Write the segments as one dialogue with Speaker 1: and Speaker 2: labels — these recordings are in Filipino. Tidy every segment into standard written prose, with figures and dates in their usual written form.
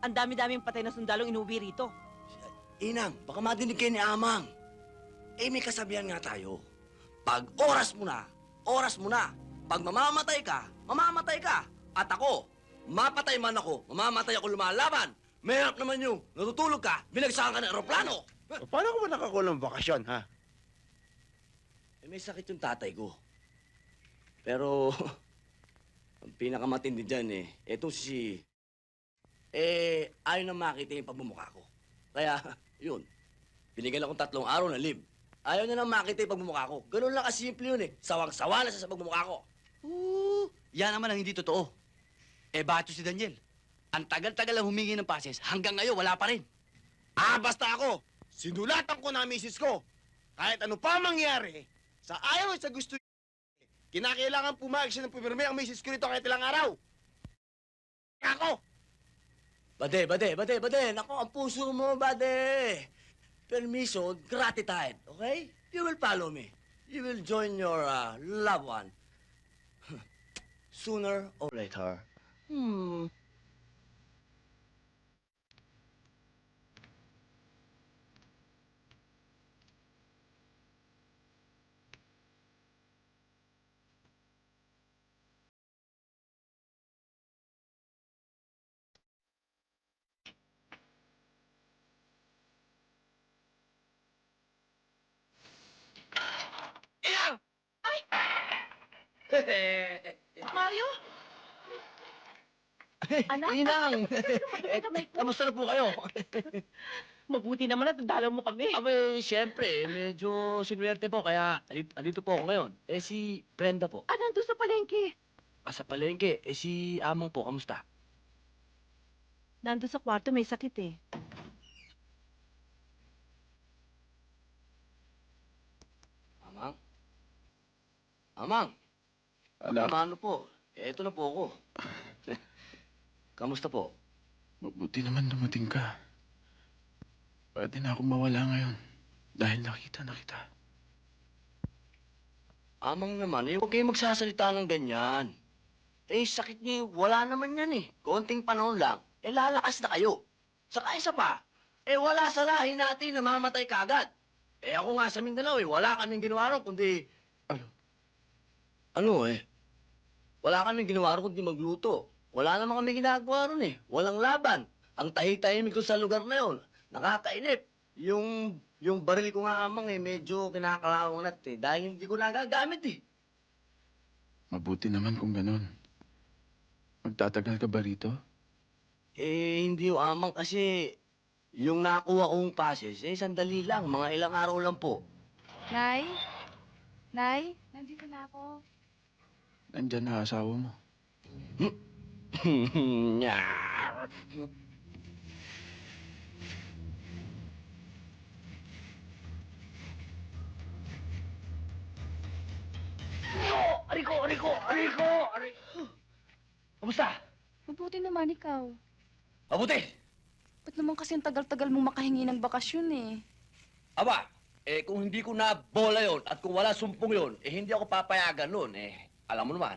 Speaker 1: Ang dami-daming patay na sundalong inuwi rito.
Speaker 2: Inang, baka madinig kayo ni Amang. Eh, may kasabihan nga tayo. Pag oras mo na, oras mo na. Pag mamamatay ka, mamamatay ka. At ako, mapatay man ako, mamamatay ako lumalaban. Mahirap naman yung natutulog ka, binagsakan ka ng aeroplano.
Speaker 3: Paano ko ba nakakulang bakasyon, ha?
Speaker 2: Eh, may sakit yung tatay ko. Pero, ang pinakamatindi dyan eto si... ayaw na makita yung pagmumukha ko. Kaya, yun, binigyan akong 3 araw na leave. Ayaw niya na makita yung pagmumukha ko. Ganun lang kasimple yun Sawang-sawa na siya sa pagmumukha ko.
Speaker 4: Yan naman ang hindi totoo. Bato si Daniel. Ang tagal-tagal lang humingi ng pases, hanggang ngayon wala pa rin.
Speaker 3: Basta ako, sinulatan ko na ang misis ko. Kahit ano pa mangyari, sa ayaw at sa gusto kinakailangan pumayag siya ng pumirme ang misis ko nito kahit ilang araw. Ako!
Speaker 2: Bade. Nako, ang puso mo, bade. Permission, gratitude, okay? You will follow me. You will join your loved one. Sooner or later.
Speaker 1: Mario? Anak?
Speaker 4: Inang! Kamusta na po kayo?
Speaker 1: Mabuti naman at dalaw mo kami.
Speaker 4: Siyempre, medyo sinwerte po, kaya andito po ako ngayon. Si Brenda po.
Speaker 1: Nandun sa palengke.
Speaker 4: Sa palengke, si Amang po, kamusta?
Speaker 1: Nandun sa kwarto, may sakit eh.
Speaker 2: Amang? Amang?
Speaker 3: Anak,
Speaker 2: Ano po? Eto na po ako. Kamusta po?
Speaker 5: Mabuti naman dumating ka. Pwede na akong mawala ngayon. Dahil nakita na kita.
Speaker 2: Amang naman, huwag kayong magsasalita ng ganyan. Sakit niyo, wala naman yan Konting panahon lang, lalakas na kayo. Saka isa pa, wala sa lahi natin na mamatay kaagad. Ako nga sa Mindanao, wala kaming ginawa ron, kundi... Wala kaming ginawa ron, kundi magluto. Wala naman kami ginagawa ron Walang laban. Ang tahi-tahimik ko sa lugar na yon. Nakakainip. Yung baril ko nga Amang medyo kinakalawang nat dahil hindi ko nagagamit
Speaker 5: Mabuti naman kung ganun. Magtatagal ka ba rito?
Speaker 2: Hindi Amang kasi yung nakuha kong passes, sandali lang. Mga ilang araw lang po.
Speaker 6: Nay? Nay? Nandito na ako.
Speaker 5: Nandyan na asawa mo.
Speaker 2: Nyar. Ariko! Kamusta?
Speaker 6: Mabuti naman ikaw.
Speaker 2: Mabuti!
Speaker 6: Ba't naman kasi ang tagal-tagal mong makahingi ng bakasyon eh?
Speaker 2: Aba, kung hindi ko na bola yon at kung wala sumpong yon, hindi ako papayagan nun. Alam mo naman.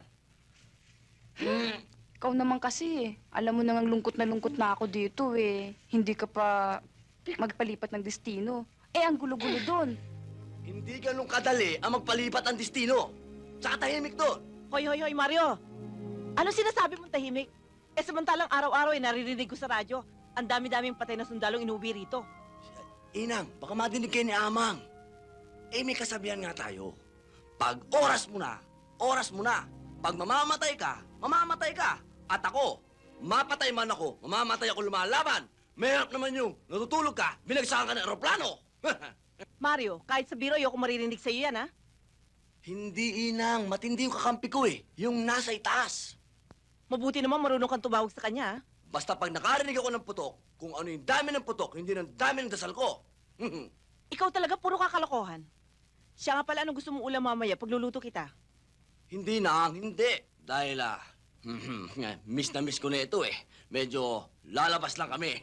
Speaker 6: Ikaw naman kasi eh. Alam mo nang lungkot na ako dito eh. Hindi ka pa magpalipat ng destino. Ang gulo-gulo doon.
Speaker 2: Hindi ganun kadali ang magpalipat ang destino. Tsaka tahimik doon.
Speaker 1: Hoy, Mario! Ano sinasabi mong tahimik? Samantalang araw-araw naririnig ko sa radyo, ang dami-daming patay na sundalong inuwi rito.
Speaker 2: Inang, baka madinig kayo ni Amang. May kasabihan nga tayo. Pag oras mo na, oras mo na. Pag mamamatay ka, mamamatay ka. At ako, mapatay man ako, mamamatay ako lumalaban. Mahirap naman yung natutulog ka, binagsakan ka ng aeroplano.
Speaker 1: Mario, kahit sa biro, ayoko maririnig sa'yo yan, ha?
Speaker 2: Hindi, Inang. Matindi yung kakampi ko Yung nasa itaas.
Speaker 1: Mabuti naman marunong kang tumawag sa kanya, ha?
Speaker 2: Basta pag nakarinig ako ng putok, kung ano yung dami ng putok, hindi ng dami ng dasal ko.
Speaker 1: Ikaw talaga puro kakalokohan. Siya nga pala, anong gusto mong ulam mamaya pagluluto kita?
Speaker 2: Hindi, Nang. Hindi. Dahil, miss na miss ko na ito Medyo lalabas lang kami.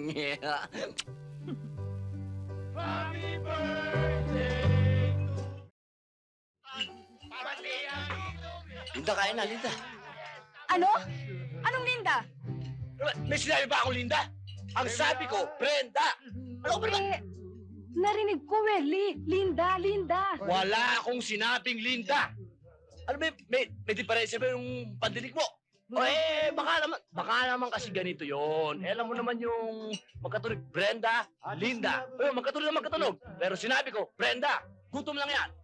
Speaker 3: Happy birthday!
Speaker 2: Linda, kain na, Linda.
Speaker 6: Ano? Anong Linda?
Speaker 3: May sinabi ba akong Linda?
Speaker 2: Ang sabi ko, Brenda! Ano ba naman?
Speaker 6: Narinig ko Linda.
Speaker 2: Wala akong sinabing Linda. Ano ba, may diferensya ba yung pandinig mo? O baka naman kasi ganito yon. Alam mo naman yung magkatunog, Brenda, Linda. Magkatunog na magkatunog. Pero sinabi ko, Brenda, gutom lang yan.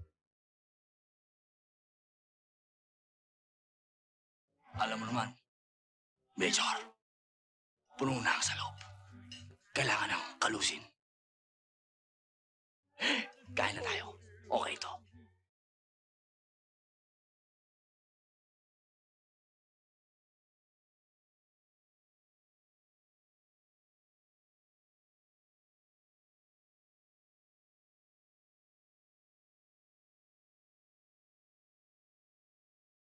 Speaker 2: Alam mo naman, Major, puno na ang sa loob. Kailangan ng kalusin. Kain na tayo. Okay to.